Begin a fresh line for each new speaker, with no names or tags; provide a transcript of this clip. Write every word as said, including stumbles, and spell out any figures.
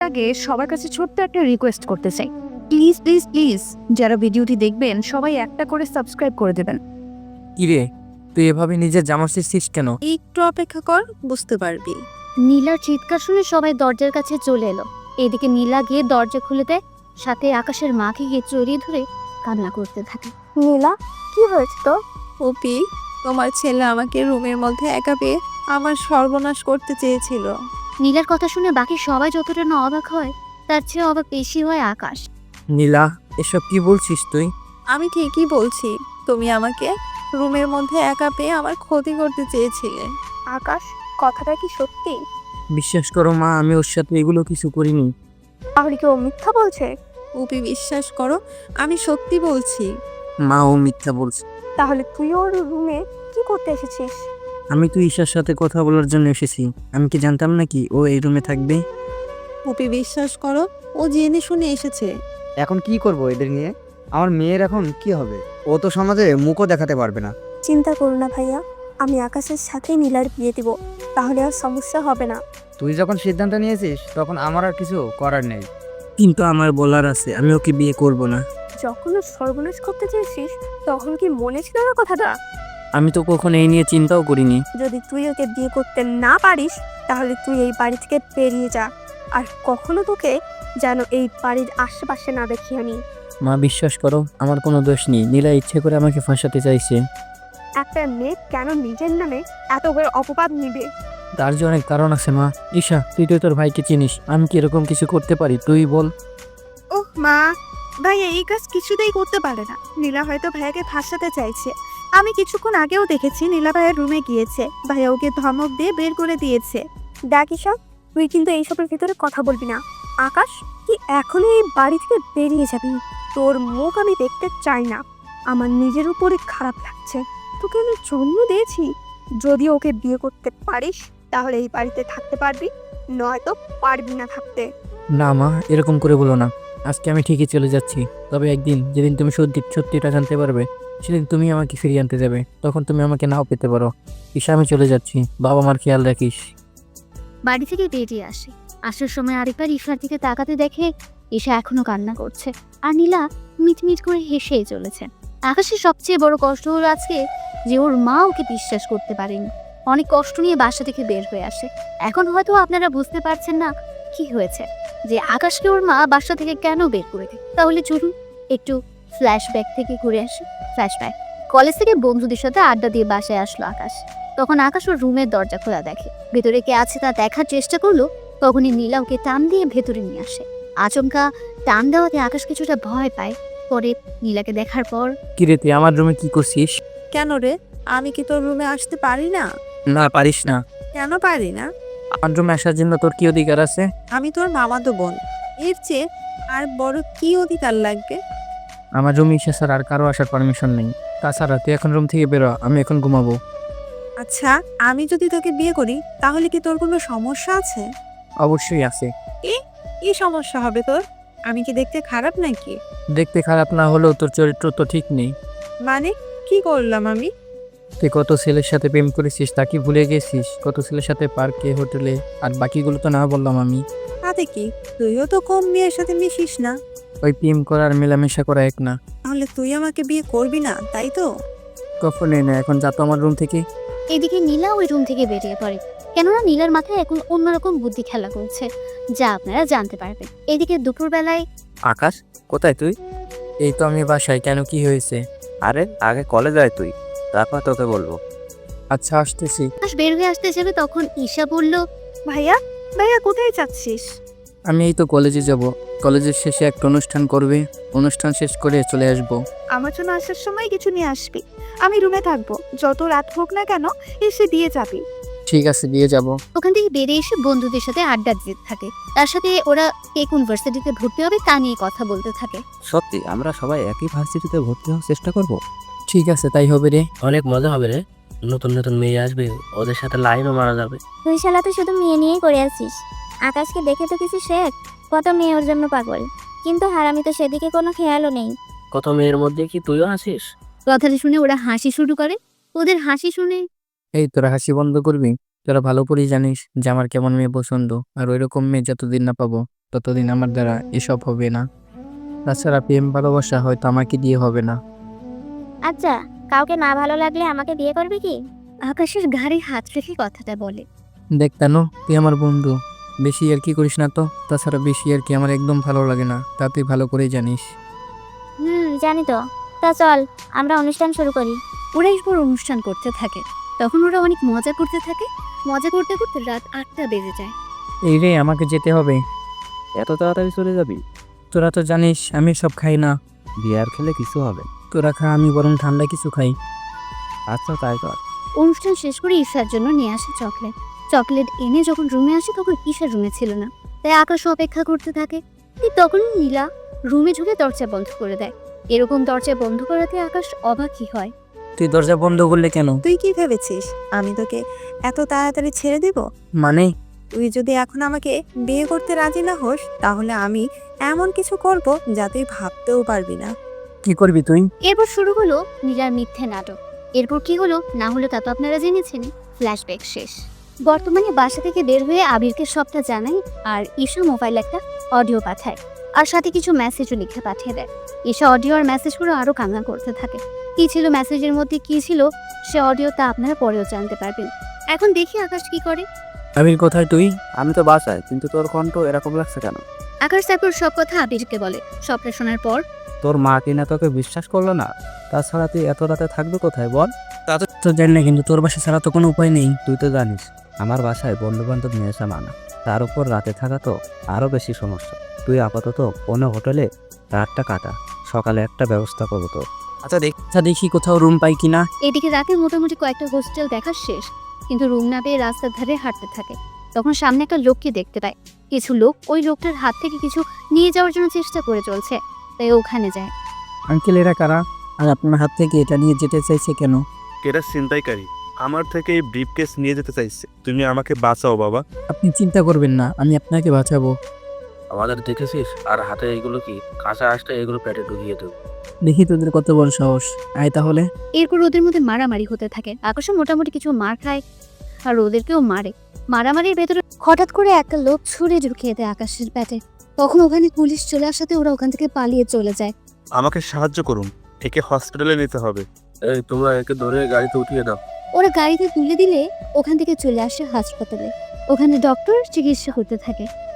আগে সবার কাছে ছোট্ট একটা রিকোয়েস্ট করতে চাই, প্লিজ প্লিজ প্লিজ যারা ভিডিওটি দেখবেন সবাই একটা করে সাবস্ক্রাইব করে দেবেন।
কিরে, তুই এভাবে নিজের জামা ছিঁড়ছিস কেন?
একটু অপেক্ষা কর, বুঝতে পারবি।
নীলার চিৎকার শুনে সবাই দরজার কাছে চলে এলো। এদিকে নীলা গিয়ে দরজা খুলে দেয়, সাথে আকাশের মাকে গিয়ে জড়িয়ে ধরে কান্না করতে থাকে। নীলা, কি হয়েছে তো?
ওপি, তোমার ছেলে আমাকে রুমের মধ্যে একা পেয়ে আমার সর্বনাশ করতে চেয়েছিল।
নীলার কথা শুনে বাকি সবাই যতটা না অবাক হয়, তার চেয়ে অবাক বেশি হয় আকাশ।
নীলা, এসব কি বলছিস তুই?
আমি ঠিকই বলছি, তুমি আমাকে রুমের মধ্যে একা পেয়ে আমার ক্ষতি করতে চেয়েছিলে।
আকাশ, কথাটা কি সত্যি?
বিশ্বাস করো মা, আমি ওর সাথে এগুলো কিছু করিনি।
তাহলে কি ও মিথ্যা বলছে?
ওপি, বিশ্বাস করো, আমি সত্যি বলছি।
মা, ও মিথ্যা বলছে।
তাহলে তুই ওর রুমে কি করতে এসেছিস?
আমি তো ঈশার সাথে কথা বলার জন্য এসেছি। আমি কি জানতাম নাকি ও এই রুমে থাকবে?
ওপি, বিশ্বাস করো, ও জেনে শুনে এসেছে।
এখন কি করব এদের নিয়ে? আমার মেয়ের এখন কি হবে? ও তো সমাজে মুখও দেখাতে পারবে না।
চিন্তা করো না ভাইয়া, আমি আকাশের সাথেই নীলার বিয়ে দিব, তাহলে আর সমস্যা হবে না।
তুই যখন সিদ্ধান্ত নিয়েছিস তখন আমার আর কিছু করার নেই।
কিন্তু আমার বলার আছে, আমি ওকে বিয়ে করব না।
যখন ও সর্বনাশ করতে চেয়েছিস তখন কি মনে ছিল না কথাটা?
আমি তো কখনো এই নিয়ে চিন্তাও করিনি।
যদি তুই ওকে বিয়ে করতে না পারিস তাহলে তুই এই বাড়ি থেকে বেরিয়ে যা, আর কখনো তোকে যেন এই বাড়ির আশেপাশে না দেখি আমি।
মা, বিশ্বাস করো, আমার কোনো দোষ নেই। নীলা ইচ্ছে করে আমাকে ফাঁসাতে চাইছে।
একটা মেয়ে কেন নিজের নামে এত বড় অপবাদ নিবে?
তার যে অনেক কারণ আছে মা। ঈশা, তুই তো তোর ভাইকে চিনিস, আমি কি এরকম কিছু করতে পারি? তুই বল।
ওহ মা, ভাইয়া এই কাজ কিছুতেই করতে পারে না। নীলা হয়তো ভাইয়াকে ফাঁসাতে চাইছে। আমি কিছুক্ষণ আগেও দেখেছি নীলা ভাইয়ের রুমে গিয়েছে, ভাইয়া ওকে ধমক দিয়ে বের করে দিয়েছে।
দেখ ঈশা, তুই কিন্তু এইসবের ভিতরে কথা বলবি না। আকাশ, তুই এখনই এই বাড়ি থেকে বেরিয়ে যাবি। তোর মুখ আমি দেখতে চাই না। আমার নিজের উপরে খারাপ লাগছে। তোকে আমি জন্ম দিয়েছি। যদি ওকে বিয়ে করতে পারিস তাহলে এই বাড়িতে থাকতে পারবি, নয়তো পারবি না থাকতে।
না মা, এরকম করে বলো না। আজকে আমি ঠিকই চলে যাচ্ছি, তবে একদিন যেদিন তুমি সত্যি সত্যিটা জানতে পারবে সেদিন তুমি আমাকে ফিরিয়ে আনতে যাবে। তখন তুমি আমাকে নাও পেতে পারো। ঈশা, আমি চলে যাচ্ছি। বাবা মার খেয়াল রাখিস।
বাড়ি থেকে বেরিয়ে আসে, আসার সময় আরেকবার ঈশার দিকে তাকাতে দেখে ঈশা এখনো কান্না করছে, আর নীলা মিটমিট করে হেসেই চলেছে। আকাশের সবচেয়ে বড় কষ্ট হলো আজকে যে ওর মা ওকে বিশ্বাস করতে পারেনি। অনেক কষ্ট নিয়ে বাসা থেকে বের হয়ে আসে। এখন হয়তো আপনারা বুঝতে পারছেন না কি হয়েছে, যে আকাশকে ওর মা বাসা থেকে কেন বের করে দেয়। তাহলে চলুন একটু ফ্ল্যাশব্যাক থেকে ঘুরে আসি। ফ্ল্যাশব্যাক, কলেজ থেকে বন্ধুদের সাথে আড্ডা দিয়ে বাসায় আসলো আকাশ। তখন আকাশ ওর রুমের দরজা খোলা দেখে, ভেতরে কে আছে তা দেখার চেষ্টা করলো। তখনই নীলা ওকে টান দিয়ে ভেতরে নিয়ে আসে। আচমকা টান দেওয়াতে আকাশ কিছুটা ভয় পায়। পরে নীলাকে দেখার পর,
কিরে, তুই আমার রুমে কি করছিস?
কেন রে, আমি কি তোর রুমে আসতে পারি না?
না, পারিস না।
কেন পারি না?
আমার রুমে আসার জন্য তোর কি অধিকার আছে?
আমি তোর মামাতো বোন, এর চেয়ে আর বড় কি অধিকার লাগবে?
আমার রুমে ঈশা স্যার আর কারো আসার পারমিশন নেই। তাছাড়া তুই এখন রুম থেকে বেরো, আমি এখন ঘুমাবো।
আচ্ছা, আমি যদি তোকে বিয়ে করি তাহলে কি তোর কোনো সমস্যা আছে?
অবশ্যই আছে।
কি কি সমস্যা হবে তোর? আমি কি দেখতে খারাপ নাকি?
দেখতে খারাপ না হলেও তোর চরিত্র তো ঠিক নেই।
মানে কি করলাম আমি?
তুই কত ছেলের সাথে প্রেম করেছিস তা কি ভুলে গেছিস? কত ছেলের সাথে পার্কে, হোটেলে, আর বাকিগুলো তো না বললাম আমি।
তাতে কি, তুইও তো কম মেয়ের সাথে মিশিস না।
ওই প্রেম করা আর মেলামেশা করা এক না।
তাহলে তুই আমাকে বিয়ে করবি না, তাই তো?
কখনোই না। এখন যা তো আমার রুম থেকে।
এদিকে নীলা ওই রুম থেকে বেরিয়ে পড়ে, কেননা নীলার মাথায় এখন অন্যরকম বুদ্ধি খেলা করছে, যা আপনারা জানতে পারবেন। এদিকে দুপুরবেলায়
আকাশ, কোথায় তুই?
এই তো আমি বাসায়। কেন, কি হয়েছে?
আরে আগে কলেজ আয় তুই, তারপর তোকে বলবো।
আচ্ছা, আসতেছি।
আকাশ বের হয়ে আসতে যাবে, তখন ঈশা বলল,
ভাইয়া, ভাইয়া কোথায় যাচ্ছিস?
আমি এই তো কলেজে যাব। কলেজের শেষে একটা অনুষ্ঠান করবে, অনুষ্ঠান শেষ করে চলে আসব।
আমার জন্য আসার সময় কিছু নিয়ে আসবি। আমি রুমে থাকবো, যত রাত হোক না কেন এসে দিয়ে যাবি।
ঠিক আছে, দিয়ে যাব।
ওখান থেকে বেরিয়ে এসে বন্ধুদের সাথে আড্ডা দিতে থাকে। তার সাথে ওরা কে কোন ভার্সিটিতে ভর্তি হবে তা নিয়ে কথা বলতে থাকে।
সত্যি আমরা সবাই একই ভার্সিটিতে ভর্তি হওয়ার চেষ্টা করব।
ঠিক আছে, তাই হবে রে।
অনেক মজা হবে রে, নতুন নতুন মেয়ে আসবে, ওদের সাথে লাইনও মারা যাবে।
তুই শালা তো শুধু মেয়ে নিয়েই করে আছিস। আকাশকে দেখে তো কিছু শেখ, কত মেয়ে ওর জন্য পাগল, কিন্তু হারামি তো সেদিকে কোনো খেয়ালও নেই।
কত মেয়ের মধ্যে কি তুইও আসিস?
কথাটা শুনে ওরা হাসি শুরু করে। ওদের হাসি শুনে
এই, তোরা হাসি বন্ধ করবি। তোরা ভালো করেই জানিস যে আমার কেমন মেয়ে পছন্দ, আর ওই রকম মেয়ে যতদিন না পাবো ততদিন আমার দ্বারা এসব হবে না। তাছাড়া প্রেম ভালোবাসা হয়তো আমাকে দিয়ে হবে না।
আচ্ছা, কাউকে না ভালো লাগলে আমাকে বিয়ে করবি কি?
আকাশের ঘাড়ে হাত রেখে কথাটা বলে।
দেখ তানো, তুই আমার বন্ধু, বেশি আর কি করিস না তো। তাছাড়া বেশি আর কি আমার একদম ভালো লাগে না, তা তুই ভালো করেই জানিস।
হুম, জানি তো। তা চল আমরা অনুষ্ঠান শুরু করি।
ওরা এরপর অনুষ্ঠান করতে থাকে। তখন ওরা অনেক মজা করতে থাকে। মজা করতে করতে রাত আটটা বেজে যায়।
এই রে, আমাকে যেতে হবে।
এত তাড়াতাড়ি চলে যাবি?
তোরা তো জানিস আমি সব খাই না।
বিয়ার খেলে কিছু হবে।
তোরা খা, আমি বরং ঠান্ডা কিছু খাই।
আচ্ছা তাই কর।
অনুষ্ঠান শেষ করে ঈশার জন্য নিয়ে আসে চকলেট। চকলেট এনে যখন রুমে আসে তখন ঈশা রুমে ছিল না, তাই আকাশ অপেক্ষা করতে থাকে। ঠিক তখন নীলা রুমে ঢুকে দরজা বন্ধ করে দেয়। এরকম দরজা বন্ধ করাতে আকাশ অবাকই হয়।
তুই দরজা বন্ধ করলে কেন?
তুই কি ভেবেছিস আমি তোকে এত তাড়াতাড়ি ছেড়ে দেব?
মানে?
তুই যদি এখন আমাকে বিয়ে করতে রাজি না হোস তাহলে আমি এমন কিছু করব যা তুই ভাবতেও পারবি না।
কি করবি তুই?
এরপর শুরু হলো নীলার মিথ্যে নাটক। এরপর কি হলো না হলো তা তো আপনারা জেনেছেন। ফ্ল্যাশব্যাক শেষ। বর্তমানে বাসা থেকে বের হয়ে আবিরকে সবটা জানাই, আর ঈশা মোবাইল একটা অডিও পাঠায়, আর সাথে কিছু মেসেজও লিখে পাঠিয়ে দেয়। ঈশা অডিও আর মেসেজগুলো আরো কান্না করতে থাকে। কি ছিল মেসেজের মধ্যে, কি ছিল সে অডিও, তা আপনারা পরেও জানতে পারবেন। এখন দেখি আকাশ কি করে।
আবির কোথায় তুই?
আমি তো বাসায়, কিন্তু তোর কণ্ঠ এরকম লাগছে কেন?
আকাশ তারপর সব কথা আবিরকে বলে। সবটা শোনার পর
তোর মা কিনা তোকে বিশ্বাস করলো না? তাছাড়া তুই এত রাতে থাকবে কোথায় বল?
তো জানি না, কিন্তু তোর বাসা ছাড়া তো কোনো উপায় নেই।
তুই তো জানিস আমার বাসায় বন্ধু বান্ধব নিয়ে আসা মানা। তার উপর রাতে থাকা তো আরো বেশি সমস্যা। তুই আপাতত কোনো হোটেলে রাতটা কাটা, সকালে একটা ব্যবস্থা করবো তোর।
আচ্ছা দেখ আচ্ছা দেখি কোথাও রুম পাই কিনা।
এদিকে রাতে মোটামুটি কয়েকটা হোস্টেল দেখা শেষ, কিন্তু রুম না পেয়ে রাস্তার ধারে হাঁটতে থাকে। তখন সামনে একটা লোককে দেখতে পায়। কিছু লোক ওই লোকটার হাত থেকে কিছু নিয়ে যাওয়ার জন্য চেষ্টা করে চলছে, তাই ওখানে যায়।
আঙ্কেল, এরা কারা? আর আপনার হাত থেকে এটা নিয়ে যেতে চাইছে কেন?
এরা ছিনতাইকারী, আমার থেকে এই ব্রিফকেস নিয়ে যেতে চাইছে। তুমি আমাকে বাঁচাও বাবা।
আপনি চিন্তা করবেন না, আমি আপনাকে বাঁচাবো।
আমাদের দেখেছিস, আর হাতে এগুলো কি কাঁচা আসতে এগুলো পেটে ঢুকিয়ে দেবো।
দেখি তোদের কত বড় সাহস। আয় তাহলে।
এরপর ওদের মধ্যে মারামারি হতে থাকে। আকাশে মোটামুটি কিছু মার খায়, আর ওদেরকেও মারে। মারামারির ভেতরে হঠাৎ করে একটা লোক ছুরি ঢুকিয়ে দেয় আকাশের পেটে। তখন ওখানে পুলিশ চলে আসাতে ওরা ওখান থেকে পালিয়ে চলে যায়।
আমাকে সাহায্য করুন, একে হসপিটালে নিতে হবে।
এই তোমরা একে ধরে গাড়িতে উঠিয়ে দাও।
ওরা গাড়িতে তুলে দিলে ওখান থেকে চলে আসে হাসপাতালে। ওখানে ডক্টর চিকিৎসা করতে থাকে।